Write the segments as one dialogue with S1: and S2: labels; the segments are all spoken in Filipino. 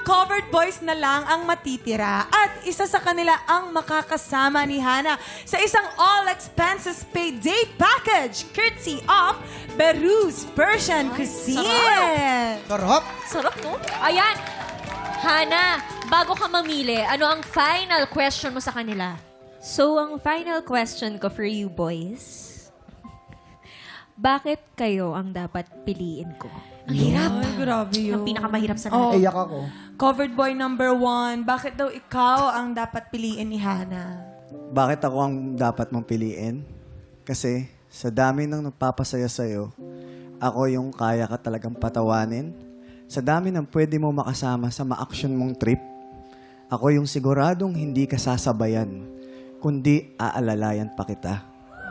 S1: covered boys na lang ang matitira at isa sa kanila ang makakasama ni Hana sa isang all-expenses paid day package courtesy of Berus Persian Cuisine.
S2: Sarap.
S3: Sarap, no? Ayan. Hana, bago ka mamili, ano ang final question mo sa kanila?
S4: So, ang final question ko for you boys, bakit kayo ang dapat piliin ko?
S3: Ang hirap.
S1: Ay, grabe yun.
S3: Ang pinakamahirap sa
S1: Oh.
S3: lahat.
S2: Iyak ako.
S1: Covered boy number 1, bakit daw ikaw ang dapat piliin ni Hana?
S5: Bakit ako ang dapat mong piliin? Kasi sa dami ng nagpapasaya sa'yo, ako yung kaya ka talagang patawanin. Sa dami ng pwede mo makasama sa ma-action mong trip, ako yung siguradong hindi ka sasabayan, kundi aalalayan pa kita.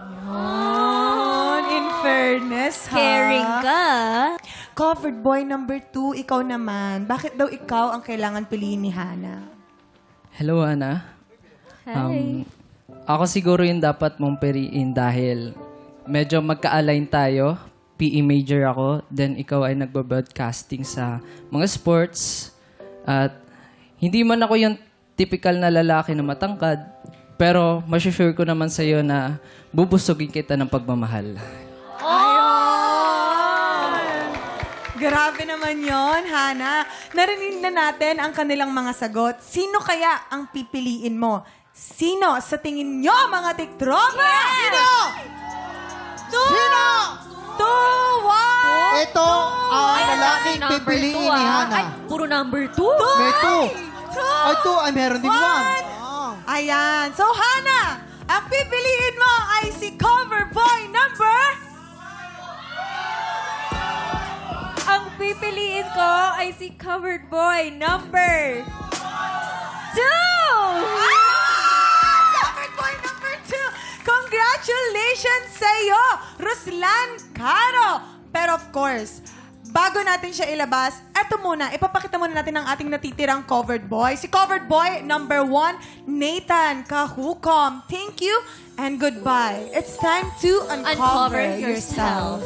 S1: In fairness, ha?
S4: Caring ka.
S1: Covered boy number 2, ikaw naman. Bakit daw ikaw ang kailangan piliin ni Hana?
S6: Hello, Ana.
S4: Hi.
S6: Ako siguro yung dapat mong piliin dahil medyo magka-align tayo. PE major ako, then ikaw ay nagbo-broadcasting sa mga sports. At hindi man ako yung typical na lalaki na matangkad, pero masusure ko naman sa'yo na bubusugin kita ng pagmamahal.
S1: Grabe naman yon, Hana. Narinig na natin ang kanilang mga sagot. Sino kaya ang pipiliin mo? Sino sa tingin nyo, mga tiktropa? Sino?
S2: Sino?
S1: 2, 1.
S2: Ito ang lalaking
S3: Number
S2: pipiliin
S3: two,
S2: ni
S3: ah.
S2: Hana.
S3: Ay, puro number 2.
S2: May 2. Ay, 2. Ay, meron din 1.
S1: Ayan. So, Hana, ang pipiliin mo ay si cover boy number...
S4: Ang pipiliin ko ay si covered boy number 2!
S1: Covered boy number 2. Congratulations sa'yo, Ruslan Caro. Pero of course, bago natin siya ilabas, eto muna, ipapakita muna natin ang ating natitirang covered boy. Si covered boy number 1, Nathan Kahukom. Thank you and goodbye. It's time to uncover yourself.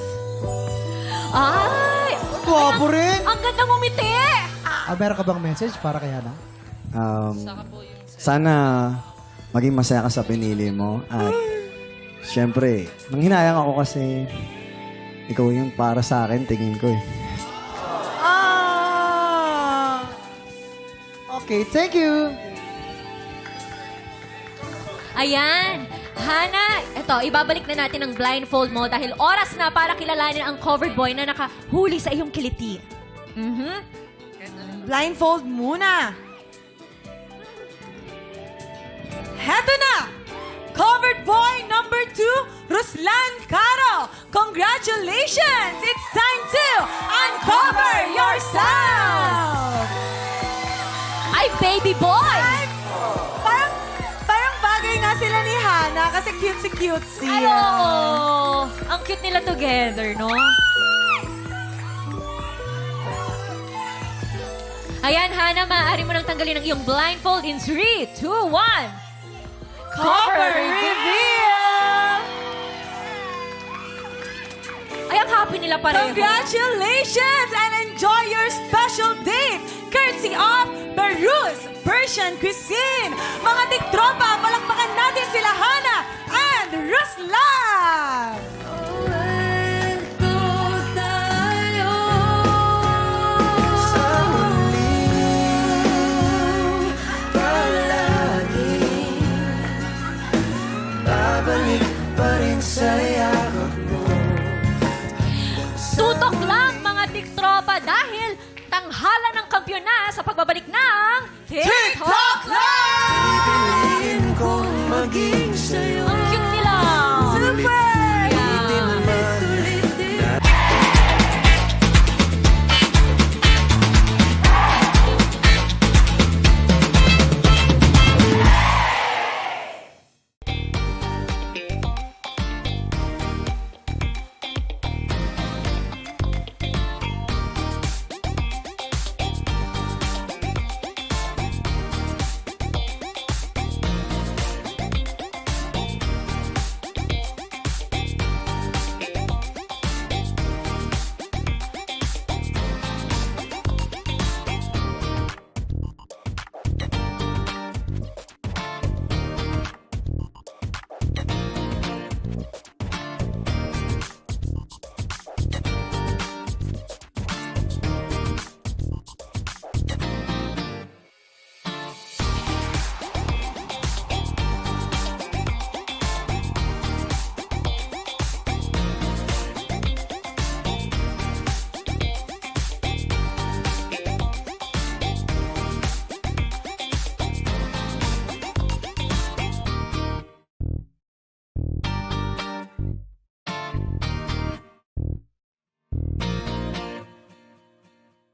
S3: Ay!
S2: Gwapo rin.
S3: Ang ganda ngumiti!
S2: Meron ka bang message para kay Hana?
S5: Sana maging masaya ka sa pinili mo. At syempre, nanghinayang ako kasi ikaw yung para sa akin, tingin ko eh.
S2: Okay, thank you.
S3: Ayan. Hana, eto, ibabalik na natin ang blindfold mo dahil oras na para kilalanin ang covered boy na nakahuli sa iyong kiliti.
S1: Blindfold muna. Heto na! Covered boy number 2, Ruslan Caro. Congratulations! It's time to uncover yourself!
S3: Ay, baby boy!
S1: Parang bagay nga sila ni Hana kasi cutesy-cutesy.
S3: Ay, oo. Ang cute nila together, no? Ayan, Hana, maaari mo nang tanggalin ang iyong blindfold in 3, 2, 1.
S1: Cover reveal!
S3: Ay, ang happy nila pareho.
S1: Congratulations and enjoy your special date courtesy of Berus Persian Cuisine. Mga tiktropa, palakpakan natin sila Hana and Ruslan!
S3: Tutok lang mga tiktropa dahil tanghalan ng kampyon na sa pagbabalik ng
S1: TikTok Live!